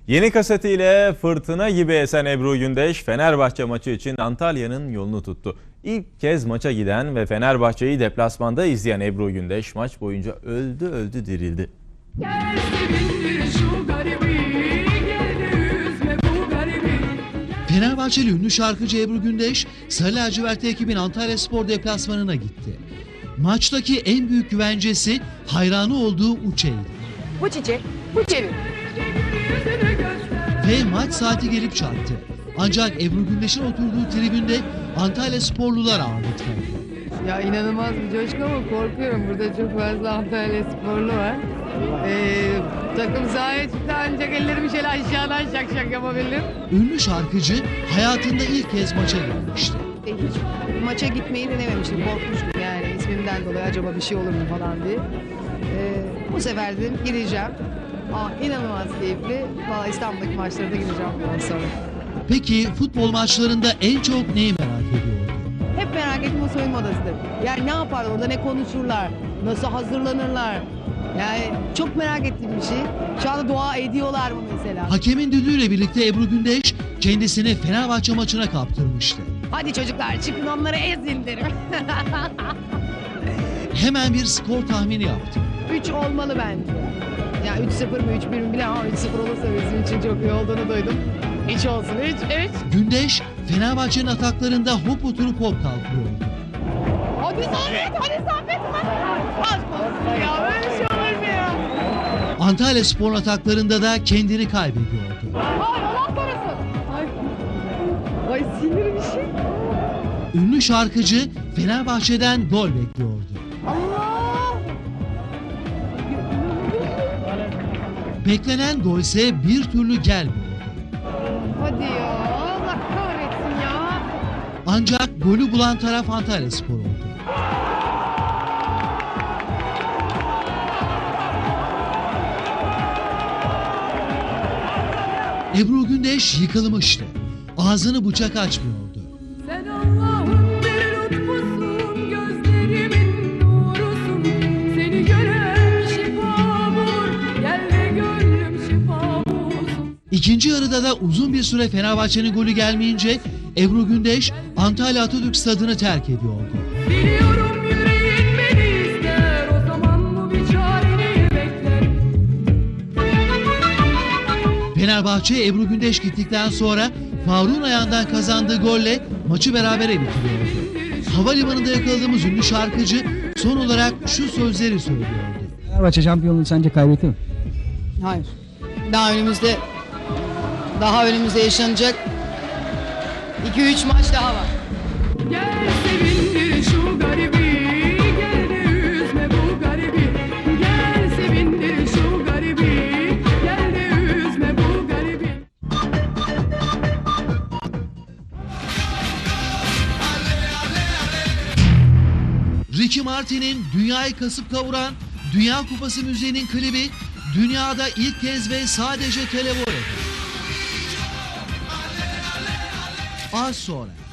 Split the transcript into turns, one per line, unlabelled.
Yeni kasetiyle fırtına gibi esen Ebru Gündeş, Fenerbahçe maçı için Antalya'nın yolunu tuttu. İlk kez maça giden ve Fenerbahçe'yi deplasmanda izleyen Ebru Gündeş maç boyunca öldü dirildi.
Fenerbahçeli ünlü şarkıcı Ebru Gündeş, Sarı Lacivertli ekibin Antalyaspor deplasmanına gitti. Maçtaki en büyük güvencesi hayranı olduğu Uçe'ydi.
Bu çiçek, bu çevir.
Ve maç saati gelip çattı. Ancak Ebru Gündeş'in oturduğu tribünde Antalyasporlular ağırlık verdi.
Ya inanılmaz bir coşku ama korkuyorum. Burada çok fazla Antalya sporlu var. Takım sahaya çıktı ancak ellerimi şöyle aşağıdan şak yapabilirim.
Ünlü şarkıcı hayatında ilk kez maça gelmişti.
Hiç maça gitmeyi denememiştim. Korkmuştum yani ismimden dolayı acaba bir şey olur mu falan diye. Bu sefer dedim gireceğim. İnanılmaz keyifli. Vallahi İstanbul'daki maçlara da gireceğim bundan sonra.
Peki futbol maçlarında en çok neyi merak ediyordu?
Hep merak ettiğim o soyunma odasıdır. Yani ne yaparlar orada, ne konuşurlar, nasıl hazırlanırlar. Yani çok merak ettiğim bir şey. Şu anda dua ediyorlar mı mesela?
Hakemin düdüğüyle birlikte Ebru Gündeş kendisini Fenerbahçe maçına kaptırmıştı.
Hadi çocuklar çıkın onları ezin derim.
Hemen bir skor tahmini yaptı.
3 olmalı bence. Ya 3-0 mı 3-1 mi bile ama 3-0 olursa bizim için çok iyi olduğunu duydum. 3 olsun 3.
Gündeş Fenerbahçe'nin ataklarında hop oturup hop kalkıyordu.
Hadi Saffet. Aşk olsun ya böyle şey olur mu ya?
Antalyaspor'un ataklarında da kendini kaybediyordu.
Ay Allah korusun. Ay sinir bir şey.
Ünlü şarkıcı Fenerbahçe'den gol bekliyordu.
Allah.
Beklenen golse bir türlü gelmiyordu.
Hadi ya Allah kahretsin ya.
Ancak golü bulan taraf Antalyaspor oldu. Ebru Gündeş yıkılmıştı. Ağzını bıçak açmıyordu.
Sen Allah'ın bir lütfusun, gözlerimin nurusun. Seni gören şifa bulur, gel de gönlüm şifa bulsun.
İkinci yarıda da uzun bir süre Fenerbahçe'nin golü gelmeyince Ebru Gündeş Antalya Atatürk Stadı'nı terk ediyordu.
Biliyorum yüreğin beni ister, o zaman bu bir çareni bekler.
Fenerbahçe Ebru Gündeş gittikten sonra Faruk'un ayağından kazandığı golle maçı berabere bitiriyordu. Havalimanında yakaladığımız ünlü şarkıcı son olarak şu sözleri söylüyordu.
Fenerbahçe şampiyonluğu sence kaybetti mi?
Hayır. Daha önümüzde yaşanacak 2-3 maç daha var.
Gel sevindir şu garibi, gel de üzme bu garibi. Gel sevindir şu garibi, gel de üzme bu garibi.
Ricky Martin'in dünyayı kasıp kavuran Dünya Kupası müziğinin klibi dünyada ilk kez ve sadece televizyon. Az sonra